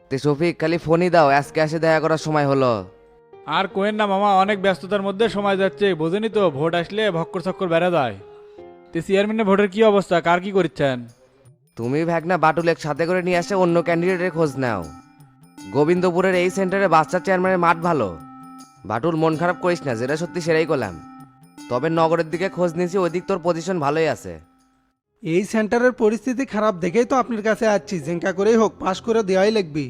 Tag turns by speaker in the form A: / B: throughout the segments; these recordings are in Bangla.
A: তে শফিক খালি ফোনই দাও, আজকে এসে দেখা করার সময় হলো।
B: আর কোয়েন না মামা, অনেক ব্যস্ততার মধ্যে সময় যাচ্ছে, বোঝেনি তো ভোট আসলে ভক্কর চক্কর বেড়ে যায়। তে চেয়ারম্যানের ভোটের কি অবস্থা, কার কি করছেন?
A: তুমি ভাগনা বাটুলেক সাথে করে নিয়ে আসে অন্য ক্যান্ডিডেটের খোঁজ নাও। গোবিন্দপুরের এই সেন্টারে বাচ্চা চেয়ারম্যানের মাঠ ভালো। বাটুল মন খারাপ করিস না, যেটা সত্যি সেটাই করলাম। তবে নগরের দিকে খোঁজ নিয়েছি, ওই দিক তোর পজিশন ভালোই আছে।
C: এই সেন্টারের পরিস্থিতি খারাপ দেখেই তো আপনার কাছে আসছি, জেঙ্কা করেই হোক পাশ করে দেওয়াই লাগবি।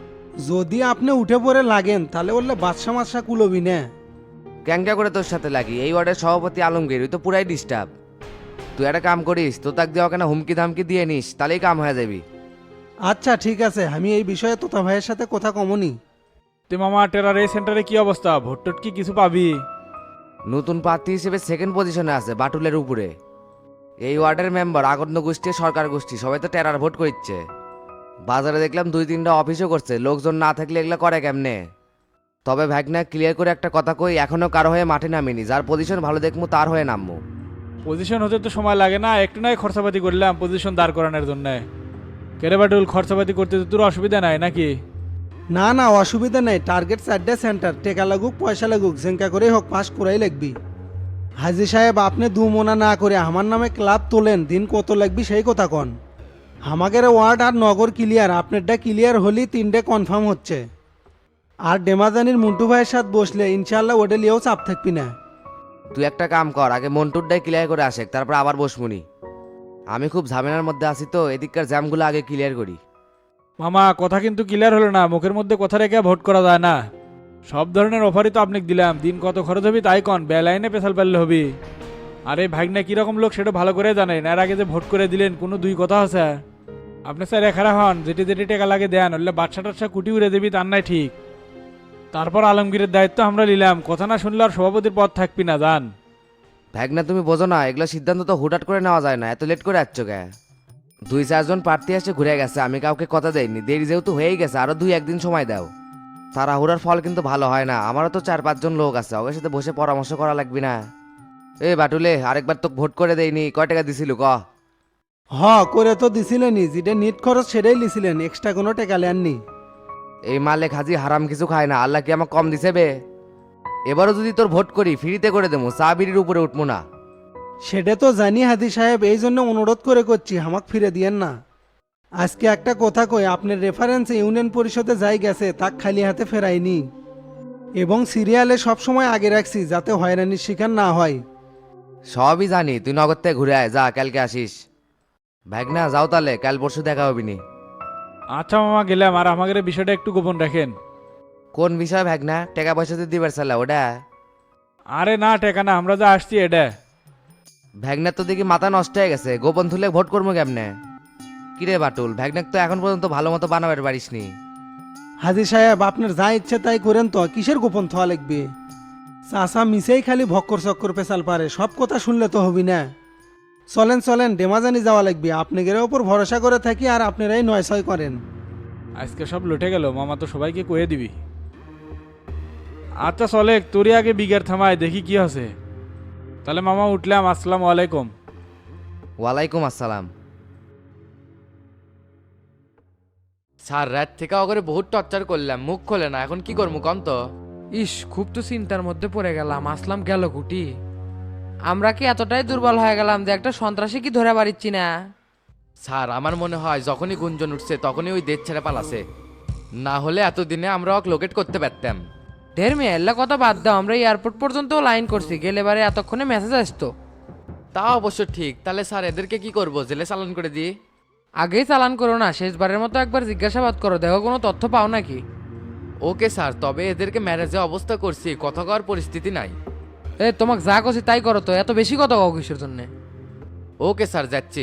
C: যদি আপনি উঠে পড়ে লাগেন তাহলে বললে বাদশা মাসা কুলবি না।
A: ক্যাংটা করে তোর সাথে লাগি, এই ওয়ার্ডের সভাপতি আলমগীর ওই তো পুরাই ডিস্টার্ব। তুই একটা কাম করিস, তো তাক দেওয়া কেন হুমকি ধামকি দিয়ে নিস, তাহলেই কাম হয়ে যাবি।
C: আচ্ছা ঠিক আছে, আমি এই বিষয়ে তোতা ভাইয়ের সাথে কথা কমনি।
B: তে মামা টেরার এই সেন্টারে কি অবস্থা, ভোট টোট কি কিছু পাবি?
A: নতুন প্রার্থী হিসেবে সেকেন্ড পজিশনে আছে বাটুলের উপরে। এই ওয়ার্ডের মেম্বার আগন্য গোষ্ঠী সরকার গোষ্ঠী সবাই তো টেরার ভোট করছে। বাজারে দেখলাম 2-3টা অফিসও করছে, লোকজন না থাকলে এগুলো করে কেমনে। তবে ভাগনা ক্লিয়ার করে একটা কথা কই, এখনো কারো হয়ে মাঠে নামিনি, যার পজিশন ভালো দেখমু তার হয়ে নামবো।
B: পজিশন হতে তো সময় লাগে না, একটু নয় খরচাপাতি করলাম পজিশন দাঁড় করানোর জন্য। কেরে বাটুল, খরচাপাতি করতে তো তোর অসুবিধা নাই নাকি?
C: না না অসুবিধা নেই, টার্গেট 4টে সেন্টার, টেকা লাগুক পয়সা লাগুক জেঙ্কা করেই হোক পাশ করাই লাগবি। হাজি সাহেব আপনি দু মোনা না করে আমার নামে ক্লাব তোলেন, দিন কত লাগবি সেই কথা কন। আমাদের ওয়ার্ড আর নগর ক্লিয়ার, আপনারটা ক্লিয়ার হলেই 3টে কনফার্ম হচ্ছে। আর ডেমাজানির মুন্টু ভাইয়ের সাথে বসলে ইনশাল্লাহ ওটা লিয়েও চাপ থাকবি না।
A: তুই একটা কাম কর, আগে মন্টুরটাই ক্লিয়ার করে আসে, তারপর আবার বসমুনি। আমি খুব ঝামেলার মধ্যে আছি তো, এদিককার জ্যামগুলো আগে ক্লিয়ার করি।
B: মামা কথা কিন্তু ক্লিয়ার হলো না, মুখের মধ্যে কথা রেখে ভোট করা যায় না। সব ধরনের অফারই তো আপনাকে দিলাম, দিন কত খরচ হবি তাই কন, বেলাইনে পেশাল পারলে হবি। আরে ভাগনা কিরকম লোক সেটা ভালো করে জানেন, এর আগে যে ভোট করে দিলেন কোনো দুই কথা আছে? আপনি স্যার এখারা হন, যেটি যেটি টাকা লাগে দেন, হলে বাচ্চা টাচ্চা কুটি উড়ে দেবি তার নাই ঠিক। তারপর আলমগীরের দায়িত্ব আমরা নিলাম, কথা না শুনলে আর সভাপতির পদ থাকবি না, জান।
A: ভাগনা তুমি বোঝো না, এগুলো সিদ্ধান্ত তো হুটহাট করে নেওয়া যায় না, এত লেট করে আসছো কে? 2-4জন প্রার্থী এসে ঘুরে গেছে, আমি কাউকে কথা দেইনি, দেরি যেহেতু হয়েই গেছে আরো 2-1 দিন সময় দাও। তাড়াহুড়ার ফল কিন্তু ভালো হয় না, আমারও তো 4-5জন লোক আছে, ওদের সাথে বসে পরামর্শ করা লাগবে না? এ বাটুলে, আরেকবার তো ভোট করে দেয়নি, কয় টাকা দিছিল ক?
C: হ করে তো দিছিলেনই, যেটা নিট খরচ সেটাই লিছিলেন, এক্সট্রা কোনো টাকা লেননি।
A: এই মালে খাজি হারাম কিছু খায় না, আল্লাহ কি আমাকে কম দিছে বে? এবারও যদি তোর ভোট করি ফ্রিতে করে দেবো, চা বিড়ির উপরে উঠবো না।
C: সেটা তো জানি হাদি সাহেব, এই জন্য অনুরোধ করে করছি হামাক ফিরে দিয়েন না। আজকে একটা কথা কই, আপনার রেফারেন্স ইউনিয়ন পরিষদে যাই গেছে তাক খালি হাতে ফেরাইনি, এবং সিরিয়ালে সবসময় আগে রাখছি যাতে হয়রানির শিকার না হয়।
A: সবই জানি, তুই নগদ থেকে ঘুরে আয়, যা কালকে আসিস। ভাগনা যাও তাহলে, কাল পরশু দেখা হবি নি।
B: আচ্ছা মামা গেলাম, আর আমাদের বিষয়টা একটু গোপন রাখেন।
A: কোন বিষয় ভাগনা, টাকা পয়সা তো দিবার চালা ওটা?
B: আরে না টেকা না, আমরা যা আসছি এটা।
A: ভ্যাগনার তো দেখি মাথা নষ্ট হয়ে গেছে, গোপন থুলে ভোট করবো কেমনে? কিরে বাটুল, ভ্যাগনাক তো এখন পর্যন্ত ভালো মতো বানাবার পারিসনি।
C: হাজি সাহেব আপনার যা ইচ্ছে তাই করেন তো, কিসের গোপন থা লাগবে? চাষা মিশেই খালি ভক্কর চক্কর পেশাল পারে, সব কথা শুনলে তো হবি না। চলেন চলেন, ডেমাজানি যাওয়া লাগবে, আপনাদের ওপর ভরসা করে থাকি আর আপনারাই 9-6 করেন।
B: আজকে সব লুটে গেল, মামা তো সবাইকে কয়ে দিবি। আচ্ছা চলে, তোরই আগে বিঘের থামায় দেখি কি আছে। তাহলে মামা উঠলাম, আসসালামু আলাইকুম।
A: ওয়ালাইকুম আসসালাম।
D: স্যার রাত থেকে অগরে বহুত টর্চার করলাম, মুখ খোলে না, এখন কি করবো কম তো?
E: ইস, খুব তো চিন্তার মধ্যে পড়ে গেলাম, আসলাম গেল কুটি। আমরা কি এতটাই দুর্বল হয়ে গেলাম যে একটা সন্ত্রাসী কি ধরে পারিচ্ছি না?
D: স্যার আমার মনে হয় যখনই গুঞ্জন উঠছে তখনই ওই দেশ ছেড়ে পালাছে, না হলে এতদিনে আমরা ওকে লোকেট করতে পারতাম।
E: ঢের মেয়ে এল্লা কথা বাদ দাও, আমরা এয়ারপোর্ট পর্যন্ত লাইন করছি, গেলে বারে এতক্ষণে মেসেজ আসতো।
D: তা অবশ্য ঠিক, তাহলে স্যার এদেরকে কি করব, জেলে চালান করে দিই?
E: আগেই চালান করো না, শেষবারের মতো একবার জিজ্ঞাসাবাদ করো, দেখো কোনো তথ্য পাও নাকি।
D: ওকে স্যার, তবে এদেরকে ম্যারেজে অবস্থা করছি, কথা কওয়ার পরিস্থিতি নাই।
E: তোমাকে যা করছি তাই করো তো, এত বেশি কথা কও কিসের জন্যে?
D: ওকে স্যার, যাচ্ছি।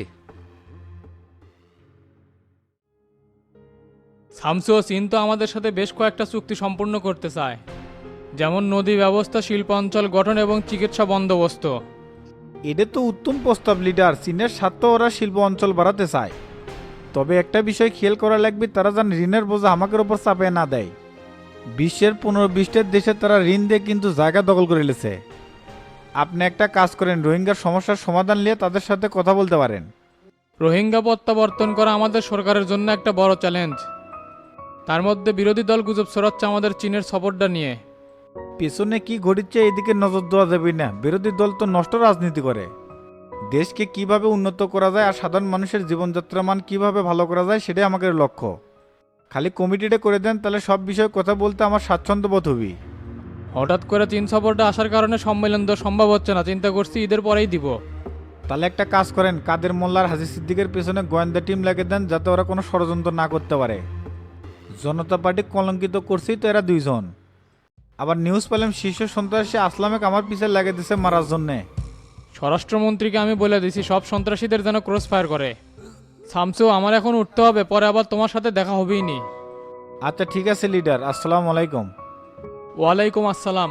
F: শামসু ও চীন তো আমাদের সাথে বেশ কয়েকটা চুক্তি সম্পূর্ণ করতে চায়, যেমন নদী ব্যবস্থা, শিল্পাঞ্চল গঠন এবং চিকিৎসা বন্দোবস্ত।
G: এটা তো উত্তম প্রস্তাব লিডার, চীনের স্বার্থে ওরা শিল্প অঞ্চল বাড়াতে চায়। তবে একটা বিষয় খেয়াল করা লাগবে, তারা যেন ঋণের বোঝা আমাদের ওপর চাপিয়ে না দেয়। বিশ্বের 15-20টা দেশে তারা ঋণ দিয়ে কিন্তু জায়গা দখল করে নিয়েছে। আপনি একটা কাজ করেন, রোহিঙ্গার সমস্যার সমাধান নিয়ে তাদের সাথে কথা বলতে পারেন।
F: রোহিঙ্গা প্রত্যাবর্তন করা আমাদের সরকারের জন্য একটা বড় চ্যালেঞ্জ। তার মধ্যে বিরোধী দল গুজব ছড়াচ্ছে আমাদের চীনের সাপোর্টটা নিয়ে।
G: পেছনে কি ঘটিচ্ছে এদিকে নজর দেওয়া যাবে না, বিরোধী দল তো নষ্ট রাজনীতি করে। দেশকে কিভাবে উন্নত করা যায় আর সাধারণ মানুষের জীবনযাত্রার মান কিভাবে ভালো করা যায় সেটাই আমাদের লক্ষ্য। খালি কমিটিটা করে দেন, তাহলে সব বিষয়ে কথা বলতে আমার স্বাচ্ছন্দ্য বোধ হবি।
F: হঠাৎ করে চীন সাপোর্টটা আসার কারণে সম্মেলন তো সম্ভব হচ্ছে না, চিন্তা করছি ঈদের পরেই দিব।
G: তাহলে একটা কাজ করেন, কাদের মোল্লার হাজি সিদ্দিকের পেছনে গোয়েন্দা টিম লাগিয়ে দেন, যাতে ওরা কোনো ষড়যন্ত্র না করতে পারে। জনতা পার্টি কলঙ্কিত করছেই তো এরা দুইজন। আবার নিউজ পেলাম শীর্ষ সন্ত্রাসী আসলামেক আমার পিছে লাগিয়ে দিছে মারার জন্যে।
F: স্বরাষ্ট্রমন্ত্রীকে আমি বলে দিছি সব সন্ত্রাসীদের যেন ক্রস ফায়ার করে। শামসু, আমার এখন উঠতে হবে, পরে আবার তোমার সাথে দেখা হবেই নি।
G: আচ্ছা ঠিক আছে লিডার, আসসালামু আলাইকুম।
F: ওয়ালাইকুম আসসালাম।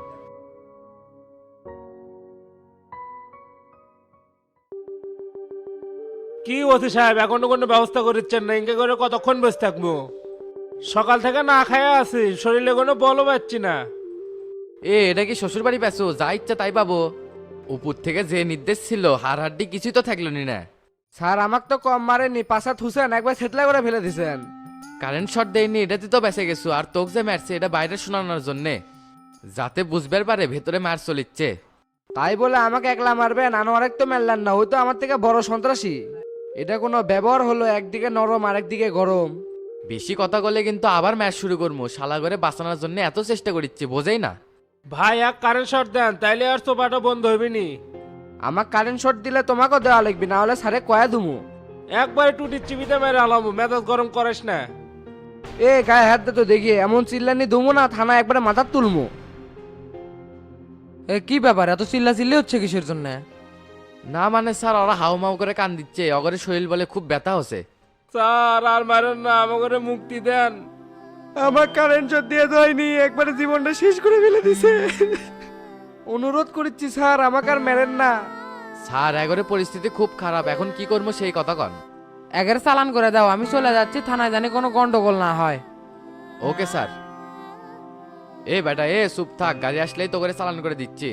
H: কি ওসি সাহেব, এখনো কোনো ব্যবস্থা করছেন না? ইনকে করে কতক্ষণ বসে থাকবো? সকাল থেকে না খায়া আছি, শরীরে কোনো বলও পাচ্ছি না।
D: এটা কি শ্বশুর বাড়ি পেছো? যা ইচ্ছা তাই পাবো। উপর থেকে যে নির্দেশ ছিল হাড় হাড্ডি কিছুই তো থাকলো নি না।
E: স্যার আমাকে তো কম মারেনি, পাশাত হুসেন একবার সেটলা করে ফেলে দিছেন।
D: কারেন্ট শট দেয়নি, এটাতে তো বেঁচে গেছো। আর তোকে যে মারছে এটা বাইরে শোনানোর জন্যে, যাতে বুঝবার পারে ভেতরে মার চলিচ্ছে।
E: তাই বলে আমাকে একলা মারবেন? আনোয়ারেক তো মারলেন না, ওই তো আমার থেকে বড় সন্ত্রাসী। এটা কোনো ব্যবহার হলো? একদিকে নরম আরেকদিকে গরম।
D: বেশি কথা বলে কিন্তু আবার ম্যাচ শুরু করবো। শালা করে বাঁচানোর জন্য এত চেষ্টা করিচ্ছি, বোঝেই না।
H: ভাই এক কারেন্ট শট দেন, তাইলে আর সোফাটা বন্ধ হইবে নি।
E: আমার কারেন্ট শট দিলে তোমাকেও দেওয়া লাগবে, না হলে স্যারে কয়া দুমু।
H: একবারে টুটি চিবিতে মেরে আলামু, মেজাজ গরম করিস না।
E: এ গায়ে হাত দে তো দেখি, এমন চিল্লানি দুমু না থানা একবারে মাথা তুলমু। এ কি ব্যাপার, এত চিল্লা চিল্লি হচ্ছে কিসের জন্য?
D: না মানে স্যার, ওরা হাউমাউ করে কান দিচ্ছে, অগরে শরীর বলে খুব ব্যথা হচ্ছে।
H: স্যার আর মারেন না, আমাকে মুক্তি দেন। আমার কারেন্ট শট দিয়ে হয়নি, একবারে জীবনটা শেষ করে ফেলে দিছে।
E: অনুরোধ করছি স্যার, আমাকে আর মেরেন না।
D: স্যার এগরে পরিস্থিতি খুব খারাপ, এখন কি করবো সেই কথা কন।
E: একের চালান করে দাও, আমি চলে যাচ্ছি থানায়, জানি কোনো গন্ডগোল না হয়।
D: Okay sir. এ বেটা এ চুপ থাক, গাড়ি আসলেই তো করে চালান করে দিচ্ছি।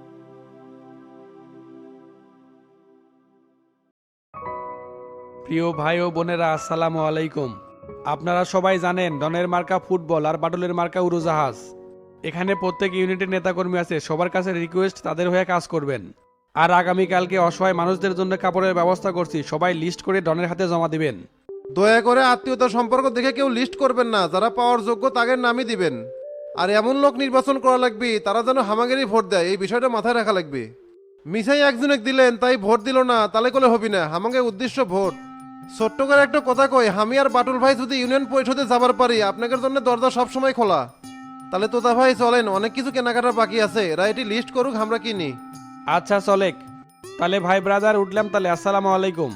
I: প্রিয় ভাই ও বোনেরা, আসসালামু আলাইকুম। আপনারা সবাই জানেন ডনের মার্কা ফুটবল আর বাটুলের মার্কা উড়োজাহাজ। এখানে প্রত্যেক ইউনিটের নেতাকর্মী আছে, সবার কাছে রিকোয়েস্ট তাদের হয়ে কাজ করবেন। আর আগামীকালকে অসহায় মানুষদের জন্য কাপড়ের ব্যবস্থা করছি, সবাই লিস্ট করে ডনের হাতে জমা দিবেন।
J: দয়া করে আত্মীয়তা সম্পর্ক দেখে কেউ লিস্ট করবেন না, যারা পাওয়ার যোগ্য তাদের নামই দিবেন। আর এমন লোক নির্বাচন করা লাগবে তারা যেন হামাগেরই ভোট দেয়, এই বিষয়টা মাথায় রাখা লাগবে। মিসাই একজনে দিলেন তাই ভোট দিল না, তাহলে করে হবি না। হামাগে উদ্দেশ্য ভোট। ছোট্ট করে একটা কথা কই, আমি আর বাটুল ভাই যদি ইউনিয়ন পরিষদে যাবার পারি, আপনাদের জন্য দরজা সবসময় খোলা। তাহলে তোতা ভাই চলেন, অনেক কিছু কেনাকাটা বাকি আছে, এরা এটি লিস্ট করুক, আমরা কিনি।
I: আচ্ছা চলেক, তাহলে ভাই ব্রাদার উঠলাম, তাহলে আসসালামু আলাইকুম।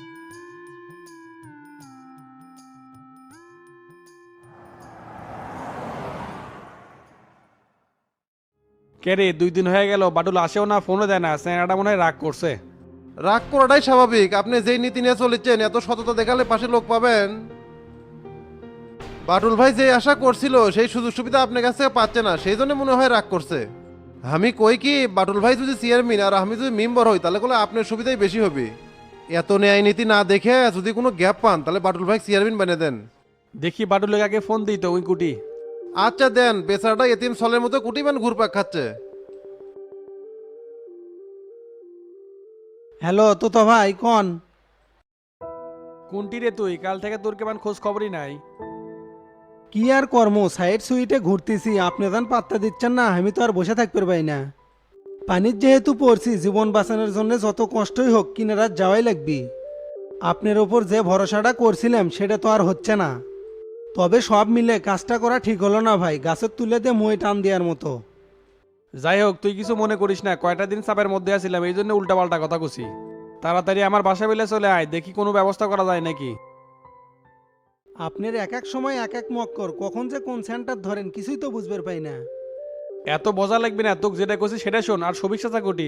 I: কে রে, 2 দিন হয়ে গেল বাটুল আসেও না, ফোনও দেয় না, স্যাংরাটা মনে হয় রাগ করছে।
J: রাগ করাটাই স্বাভাবিক, আপনি যেই নীতি নিয়ে চলেছেন এত সততা দেখালে পাশে লোক পাবেন। বাটুল ভাই যে আশা করছিল সেই সুযোগ সুবিধা আপনার কাছে পাচ্ছে না, সেই জন্য মনে হয় রাগ করছে। আমি কই কি, বাটুল ভাই যদি চেয়ারম্যান আর আমি যদি মেম্বার হই, তাহলে করে আপনার সুবিধাই বেশি হবে। এত ন্যায় নীতি না দেখে যদি কোনো গ্যাপ পান, তাহলে বাটুল ভাই চেয়ারম্যান বানিয়ে দেন।
I: দেখি বাটুলের আগে ফোন দিই তো, ওই কুটি।
J: আচ্ছা দেন, বেচারাটা এতিম সলের মতো কুটিবেন ঘুরপাক খাচ্ছে।
C: হ্যালো তো ভাই কন।
I: কোনটি রে তুই? কাল থেকে তোর কেমন খোঁজ খবরই নাই।
C: কি আর কর্ম, সাইড সুইটে ঘুরতেছি, আপনি যেন পাত্তা দিচ্ছেন না, আমি তো আর বসে থাকতে পারবাই না। পানির যেহেতু পড়ছি, জীবন বাঁচানোর জন্য যত কষ্টই হোক কিনারা যাওয়াই লাগবে। আপনার ওপর যে ভরসাটা করছিলাম সেটা তো আর হচ্ছে না। তবে সব মিলে কাজটা করা ঠিক হলো না ভাই, গাছের তুলে দিয়ে মই টান দেওয়ার মতো।
I: যাই হোক, তুই কিছু মনে করিস না, কয়টা দিন চাপের মধ্যে আছিলাম, এই জন্য উল্টাপাল্টা কথা কছি। তাড়াতাড়ি আমার বাসা বেলে চলে আয়, দেখি কোনো ব্যবস্থা করা যায় নাকি।
C: আপনার এক এক সময় এক এক মক্কর, কখন যে কোন সেন্টার ধরেন কিছুই তো বুঝবার পাই না।
I: এত বোঝা লাগবে না, তোকে যেটা কছি সেটা শোন। আর সবিক চাচা কোটি?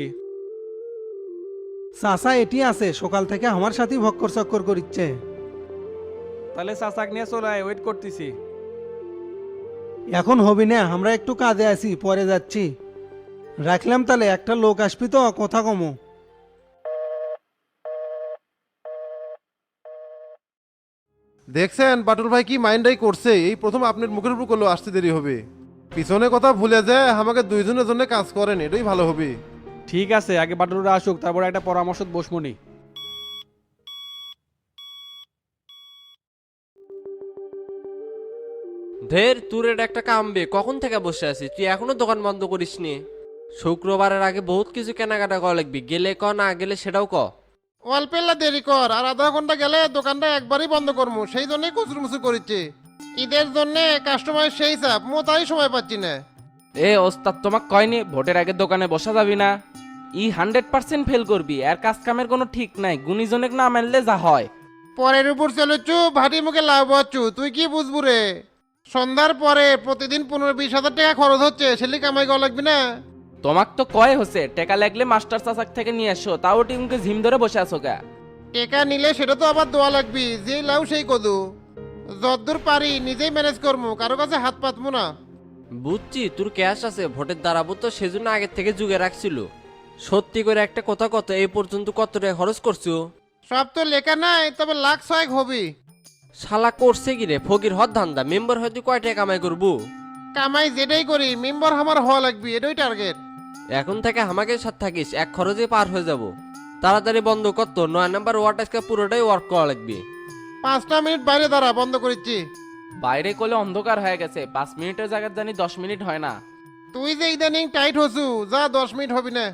C: চাচা এটি আছে, সকাল থেকে আমার সাথেই ভক্কর চক্কর করিচ্ছে।
I: তাহলে চাচাক নিয়ে চলে আয়, ওয়েট করতেছি।
C: এখন হবি না, আমরা একটু কাজে আছি, পরে যাচ্ছি। রাখলাম তাহলে, একটা লোক আসবি তো, কথা কমো।
J: দেখছেন বাটুল ভাই কি মাইন্ডাই করছে, এই প্রথম আপনার মুখের উপর করলো আসতে দেরি হবে। পিছনে কথা ভুলে যায় আমাকে দুইজনের জন্য কাজ করেন, এটাই ভালো হবে।
I: ঠিক আছে, আগে বাটুলরা আসুক, তারপর একটা পরামর্শ বসমনি।
K: ধের তোর এটা একটা কামবে, কখন থেকে বসে আছিস তুই এখনো দোকান বন্ধ করিসনি? শুক্রবারের আগে বহুত কিছু কেনাকাটা করা লাগবি, গেলে ক না গেলে সেটাও ক।
J: অল্পেল্লা দেরি কর, আর আধা ঘন্টা গেলে দোকানটা একবারই বন্ধ করবো, সেই জন্যই কুচুরমুচুর করিচ্ছে। ঈদের জন্য কাস্টমার সেই চাপ, তাই সময় পাচ্ছি না।
L: এ ওস্তাদ তোমাক কয়নি ভোটের আগে দোকানে বসা যাবি না? 100% ফেল করবি, আর কাজ কামের কোনো ঠিক নাই, গুণীজনেক না মানলে যা হয়।
J: পরের উপর চলেছু, ভাটি মুখে লাভ হচ্ছু, তুই কি বুঝবু রে? সন্ধ্যার পরে প্রতিদিন 15-20 হাজার টাকা খরচ হচ্ছে, সেলি কামাই করা লাগবে না?
L: তোমাক তো কয় হচ্ছে টেকা লাগলে মাস্টার চাচাক থেকে নিয়ে এসো, তাও টিমকে ঝিম ধরে বসে আছো কে?
J: টেকা নিলে সেটা তো আবার দোয়া লাগবি, যে লাউ সেই কদু। যতদূর পারি নিজেই ম্যানেজ করবো, কারো কাছে হাত পাতবো না।
K: বুঝছি তোর ক্যাশ আছে, ভোটের দাঁড়াবো তো সেজন্য আগের থেকে যুগে রাখছিল। সত্যি করে একটা কথা কত, এই পর্যন্ত কত টাকা খরচ করছো?
J: সব তো লেখা নাই, তবে লাখ 6 হবি।
K: শালা করছে কি রে ফকির হদ ধান্দা, মেম্বার হয়তো কয় টাকা কামাই করবো?
J: কামাই যেটাই করি মেম্বার আমার হওয়া লাগবে, এটাই টার্গেট।
K: এখন থেকে আমাকে সাথে থাকিস, এক খরচে পার হয়ে যাব। তাড়াতাড়ি বন্ধ করতো, 9 নাম্বার ওয়ার্ড আজকে পুরোটাই ওয়ার্ক করা লাগবে।
J: 5টা মিনিট বাইরে দাঁড়া, বন্ধ করেছি।
L: বাইরে কোলে অন্ধকার হয়ে গেছে, 5 মিনিটের জায়গায় জানি 10 মিনিট হয় না।
J: তুই যে ইদানিং টাইট হসু, যা 10 মিনিট হবি না।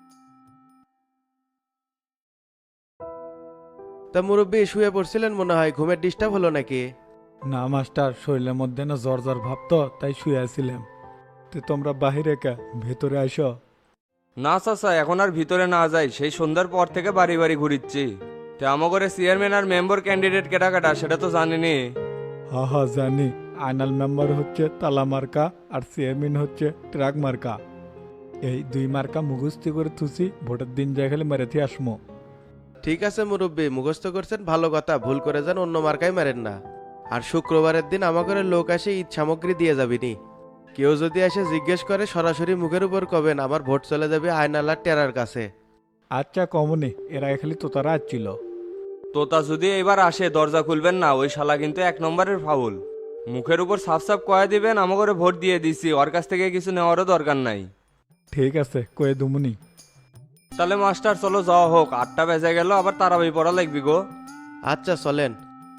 M: তা মুরব্বী শুয়ে পড়ছিলেন মনে হয়, ঘুমের ডিস্টার্ব হলো নাকি?
G: না মাস্টার, শরীরের মধ্যে না জ্বর জ্বর ভাব তো, তাই শুয়ে আছিলাম। তো তোমরা বাহিরে কা, ভেতরে আসো।
N: না চাচা, এখন আর ভিতরে না যাই, সেই সন্ধ্যার পর থেকে বাড়ি বাড়ি ঘুরিচ্ছি। তো আমাগরে চেয়ারম্যান আর মেম্বার ক্যান্ডিডেট কেটা কাটা সেটা তো জানিনি।
G: হা হা জানি, আইনাল মেম্বার হচ্ছে তালা মার্কা আর চেয়ারম্যান হচ্ছে ট্রাক মার্কা। এই 2 মার্কা মুখস্থ করে থুসি, ভোটের দিন যাই খালি মেরেতে আসমো।
M: ঠিক আছে মুরব্বী, মুখস্থ করছেন ভালো কথা, ভুল করে যান অন্য মার্কাই মারেন না। আর শুক্রবারের দিন আমাদের লোক আসে ঈদ সামগ্রী দিয়ে যাবিনি। কেউ যদি এসে জিজ্ঞেস করে সরাসরি মুখের উপর কবেন আমার ভোট চলে যাবে আয়নালার টেরার কাছে।
G: আচ্ছা কমনি, এরা খালি তোতারা আসছিল।
N: তোতা যদি এবার আসে দরজা খুলবেন না, ওই শালা কিন্তু 1 নম্বরের ফাউল। মুখের উপর সাফ সাফ কয়ে দিবেন আমাগরে ভোট দিয়ে দিছি, ওর কাছ থেকে কিছু নেওয়ারও দরকার নাই।
G: ঠিক আছে, কয়ে দুমুনি।
N: তাহলে মাস্টার চলো যাওয়া হোক, 8টা বেজে গেল, আবার তারাবি পড়া লাগবি গো।
M: আচ্ছা চলেন।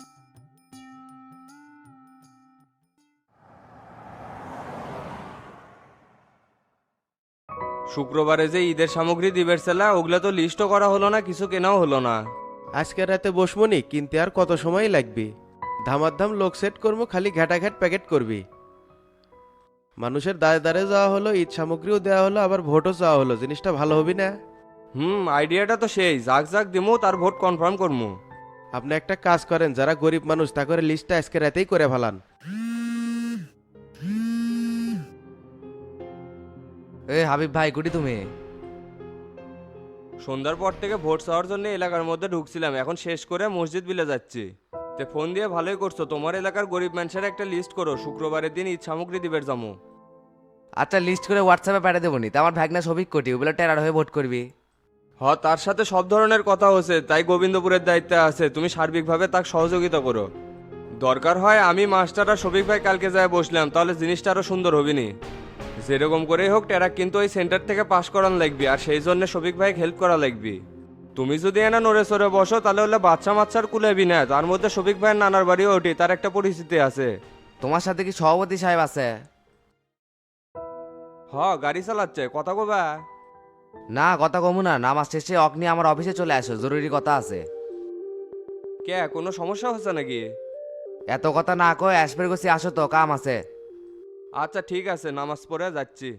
N: শুক্রবারে যে ঈদের সামগ্রী দিবের ছেলা, ওগুলা তো লিস্টও করা হলো না, কিছু কেনাও হলো না।
M: আজকে রাতে বসমনি, কিনতে আর কত সময় লাগবে? ধামাধাম লোক সেট করবো, খালি ঘাটাঘাট প্যাকেট করবি। মানুষের দাঁড়ে দাঁড়ে যাওয়া হলো, ঈদ সামগ্রীও দেওয়া হলো, আবার ভোটও চাওয়া হলো, জিনিসটা ভালো হবি না?
N: আইডিয়াটা তো সেই, জাক জাক দিমু তার ভোট কনফার্ম করমু।
M: আপনি একটা কাজ করেন, যারা গরিব মানুষ তা করে লিস্টটা আজকে রাতেই করে ফেলান।
A: এ হাবিব ভাই কুটি তুমি?
N: সন্ধ্যার পর থেকে ভোট চাওয়ার জন্য এলাকার মধ্যে ঢুকছিলাম, এখন শেষ করে মসজিদ বিলে যাচ্ছি। তে ফোন দিয়ে ভালোই করছো, তোমার এলাকার গরিব মানুষের একটা লিস্ট করো, শুক্রবারের দিন ঈদ সামগ্রী দিবের যাবো।
A: আচ্ছা লিস্ট করে হোয়াটসঅ্যাপে পাঠিয়ে দেবো নি, তা আমার ভাগনা সবিক কোটি ওগুলো টেরার হয়ে ভোট করবি।
N: তার সাথে সব ধরনের কথা হচ্ছে, তাই গোবিন্দপুরের দায়িত্বে আছে, তুমি সার্বিকভাবে তাকে সহযোগিতা করো। দরকার হয় আমি মাস্টার আর শফিক ভাই কালকে যায় বসলাম, তাহলে জিনিসটা আরো সুন্দর হবিনি। যেরকম করেই হোক টেরা কিন্তু ওই সেন্টার থেকে পাস করান লাগবে, আর সেই জন্য শফিক ভাই হেল্প করা লাগবে। তুমি যদি এনা নড়ে সরে বসো তাহলে হলে বাচ্চা মাচ্চার কুলেবি না, তার মধ্যে শফিক ভাইয়ের নানার বাড়িও ওঠে, তার একটা পরিস্থিতি আছে।
A: তোমার সাথে কি সভাপতি সাহেব আছে?
N: গাড়ি চালাচ্ছে, কথা কবা?
A: না কথা কমু না, নামাজ শেষে অগ্নি আমার অফিসে চলে আসো, জরুরি কথা আছে।
N: কে, কোনো সমস্যা হচ্ছে নাকি?
A: এত কথা না কয় অ্যাসপের গেছি, আসো তো কাম আছে।
N: আচ্ছা ঠিক আছে, নামাজ পড়ে যাচ্ছি।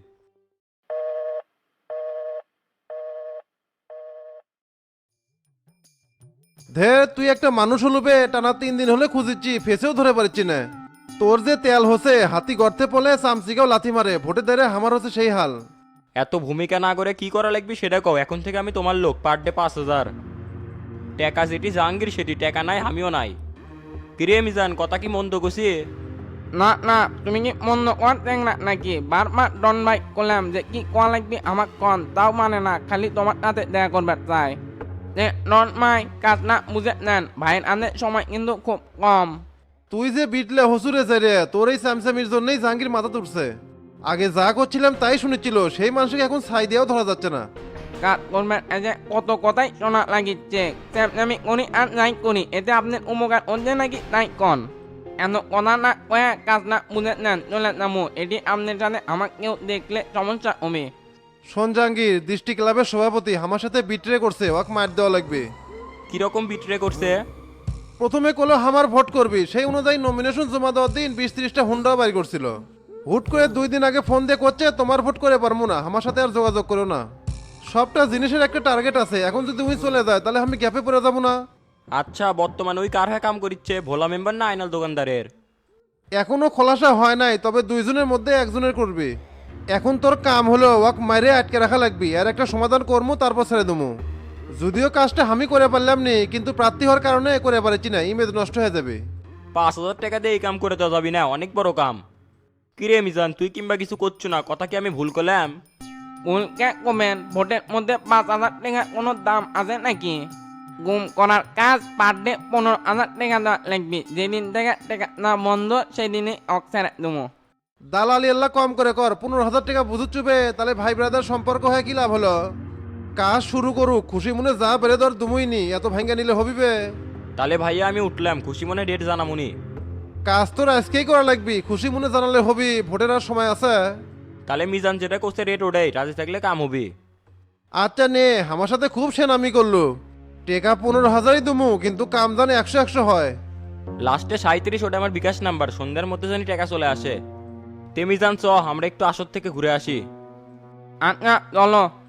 J: ধের তুই একটা মানুষ হলুবে, টানা 3 দিন হলে খুঁজিচ্ছি, ফেসেও ধরে পারছি না। তোর যে তেল হচ্ছে, হাতি গর্তে পলে চামচিকেও লাথি মারে, ভোটে দেরে আমার হচ্ছে সেই হাল।
F: এত ভূমিকা না করে কি করা লাগবে সেটা কও, এখন থেকে আমি তোমার লোক, পার ডে 5000 টাকা। যেটি জাহাঙ্গীর সেটি টাকা নাই, আমিও নাই। কিরে মিজান, কথা কি মন্দ গছি?
L: না না, তুমি কি মন্দ করতেন না নাকি? বারবার ডন ভাই করলাম যে কি কোয়া লাগবে আমার কন, তাও মানে না, খালি তোমার সাথে দেখা করবে চাই। যে ডন ভাই কাজ না বুঝে নেন, ভাইয়ের আনে সময় কিন্তু খুব কম।
J: তুই যে বিটলে হসুরে যাই রে, তোর এই স্যামস্যামির জন্যই জাহাঙ্গীর মাথা তুলছে। আগে যা করছিলাম তাই শুনেছিল, সেই মানুষকে এখন ছাই দিয়েও ধরা যাচ্ছে না।
L: কাজ করবেন এই যে কত কথাই শোনা লাগিচ্ছে আমি করি আর নাই করি এতে আপনার উপকার হচ্ছে নাকি নাই কন এত কথা না কয়ে কাজ না বুঝে নেন চলে নামো এটি আপনার সাথে আমাকেও দেখলে সমস্যা হবে।
J: শোন জাহাঙ্গীর, দৃষ্টি ক্লাবের সভাপতি আমার সাথে বিট্রে করছে, ওয়াক মার দেওয়া লাগবে।
F: কিরকম বিট্রে করছে?
J: প্রথমে কলো আমার ভোট করবি, সেই অনুযায়ী নমিনেশন জমা দেওয়ার দিন 20-30টা হুন্ডাও বাড়ি করছিল। হুট করে 2 দিন আগে ফোন দিয়ে করছে তোমার ভোট করে পারবো না, আমার সাথে আর যোগাযোগ করো না। সবটা জিনিসের একটা টার্গেট আছে, এখন যদি উনি চলে যায় তাহলে আমি গ্যাপে পড়ে যাবো না।
F: আচ্ছা, বর্তমানে ওই কার হয়ে কাম করিচ্ছে, ভোলা মেম্বার না আইনাল দোকানদারের?
J: এখনো খোলাসা হয় নাই, তবে 2 জনের মধ্যে একজনের করবি। এখন তোর কাম হলো ওয়াক মারে আটকে রাখা লাগবি, আর একটা সমাধান করবো তারপর ছেড়ে দেবো। যদিও কাজটা আমি করে পারলাম নি, কিন্তু প্রার্থী হওয়ার কারণে করে পারছি না, ইমেজ নষ্ট হয়ে যাবে।
F: 5,000 টাকা দিয়ে এই কাম করে তো যাবি না, অনেক বড় কাম। কিরে মিজান, তুই কিংবা কিছু করছো না, কথা কি আমি ভুল করলাম?
L: ভুলকে কমেন ভোটের মধ্যে 5,000 টাকা কোনো দাম আছে নাকি? গুম করার কাজ পার ডে 15,000 টাকা দেওয়া লাগবে, যেদিন থেকে টাকা না বন্ধ সেই দিনই অক ছেড়ে দেবো।
J: দালালি আল্লাহ কম করে কর, 15,000 টাকা বুঝুত চুবে, তাহলে ভাই ব্রাদার সম্পর্ক হয় কি লাভ হলো? কাজ শুরু করুক, খুশি মনে যা বেড়ে ধর দুমুই নি, এত ভাঙ্গা নিলে হবিবে?
F: তাহলে ভাইয়া আমি উঠলাম, খুশি মনে ডেট জানামুনি।
J: কাজ তোর আজকেই করা লাগবি, খুশি মনে জানালে হবি, ভোটের আর সময় আছে।
F: তাহলে মিজান যেটা করছে রেট ওটাই, রাজি থাকলে কাম হবি।
J: আচ্ছা নে, আমার সাথে খুব সেনামি করলো। টেকা 15,000ই দুমু, কিন্তু কাম জানে 100-100 হয়।
F: লাস্টে 37, ওটা আমার বিকাশ নাম্বার, সন্ধ্যার মধ্যে জানি টাকা চলে আসে। তে মিজান চ, আমরা একটু আসর থেকে ঘুরে আসি।
L: আচ্ছা চলো।